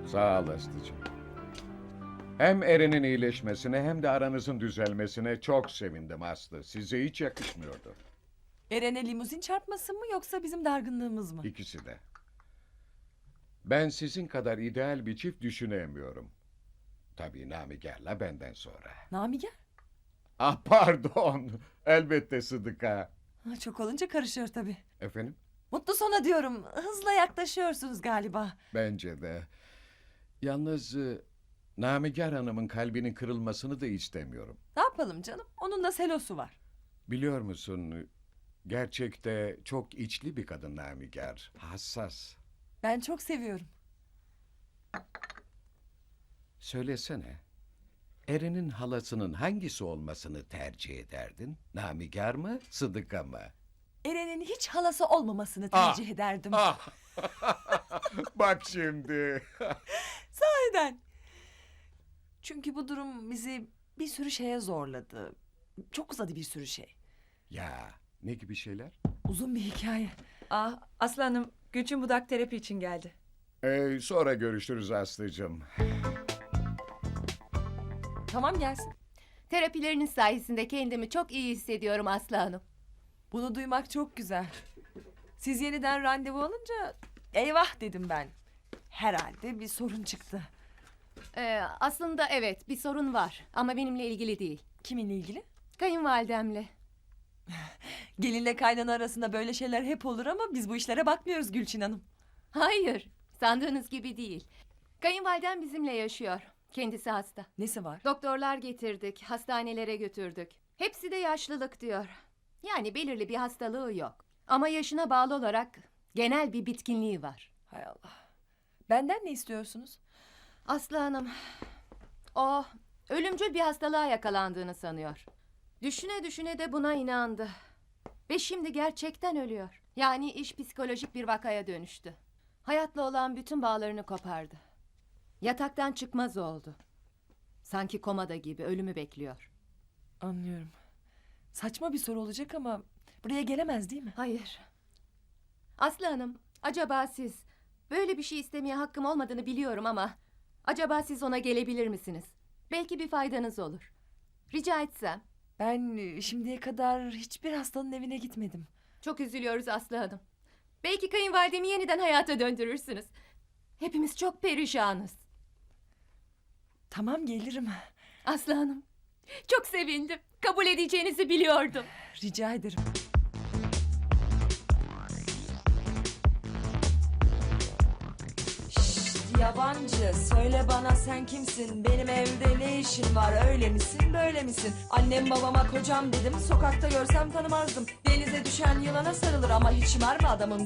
Sağ ol Aslı'cığım. Hem Eren'in iyileşmesine hem de aranızın düzelmesine çok sevindim Aslı. Size hiç yakışmıyordu. Eren'e limuzin çarpması mı yoksa bizim dargınlığımız mı? İkisi de. Ben sizin kadar ideal bir çift düşünemiyorum. Tabii Namiger'le benden sonra. Namiger? Ah pardon. Elbette Sıdıka. Ha, çok olunca karışıyor tabii. Efendim? Mutlu sona diyorum. Hızla yaklaşıyorsunuz galiba. Bence de. Yalnız Namiger Hanım'ın kalbinin kırılmasını da istemiyorum. Ne yapalım canım? Onun da selosu var. Biliyor musun, gerçekte çok içli bir kadın Namiger. Hassas. Ben çok seviyorum. Söylesene, Eren'in halasının hangisi olmasını tercih ederdin? Namiger mı, Sıdıka mı? Eren'in hiç halası olmamasını tercih ederdim. Ah! Bak şimdi. Sahiden. Çünkü bu durum bizi bir sürü şeye zorladı. Çok uzadı bir sürü şey. Ya, ne gibi şeyler? Uzun bir hikaye. Ah, Aslanım, Gülçin Budak terapi için geldi. Sonra görüşürüz Aslı'cığım. Tamam gelsin. Terapileriniz sayesinde kendimi çok iyi hissediyorum Aslı Hanım. Bunu duymak çok güzel. Siz yeniden randevu alınca eyvah dedim ben. Herhalde bir sorun çıktı. Aslında evet bir sorun var ama benimle ilgili değil. Kiminle ilgili? Kayınvalidemle. Gelinle kaynana arasında böyle şeyler hep olur ama biz bu işlere bakmıyoruz Gülçin Hanım. Hayır, sandığınız gibi değil. Kayınvalidem bizimle yaşıyor. Kendisi hasta. Nesi var? Doktorlar getirdik, hastanelere götürdük. Hepsi de yaşlılık diyor. Yani belirli bir hastalığı yok. Ama yaşına bağlı olarak genel bir bitkinliği var. Hay Allah. Benden ne istiyorsunuz? Aslı Hanım, o ölümcül bir hastalığa yakalandığını sanıyor. Düşüne düşüne de buna inandı. Ve şimdi gerçekten ölüyor. Yani iş psikolojik bir vakaya dönüştü. Hayatla olan bütün bağlarını kopardı. Yataktan çıkmaz oldu. Sanki komada gibi ölümü bekliyor. Anlıyorum. Saçma bir soru olacak ama buraya gelemez değil mi? Hayır. Aslı Hanım, acaba siz böyle bir şey istemeye hakkım olmadığını biliyorum ama acaba siz ona gelebilir misiniz? Belki bir faydanız olur. Rica etsem. Ben şimdiye kadar hiçbir hastanın evine gitmedim. Çok üzülüyoruz Aslı Hanım. Belki kayınvalidemi yeniden hayata döndürürsünüz. Hepimiz çok perişanız. Tamam gelirim. Aslı Hanım, çok sevindim. Kabul edeceğinizi biliyordum. Rica ederim. Yabancı söyle bana sen kimsin, benim evde ne işin var, öyle misin böyle misin? Annem babama kocam dedim, sokakta görsem tanımazdım. Denize düşen yılana sarılır ama hiç mermi adamım.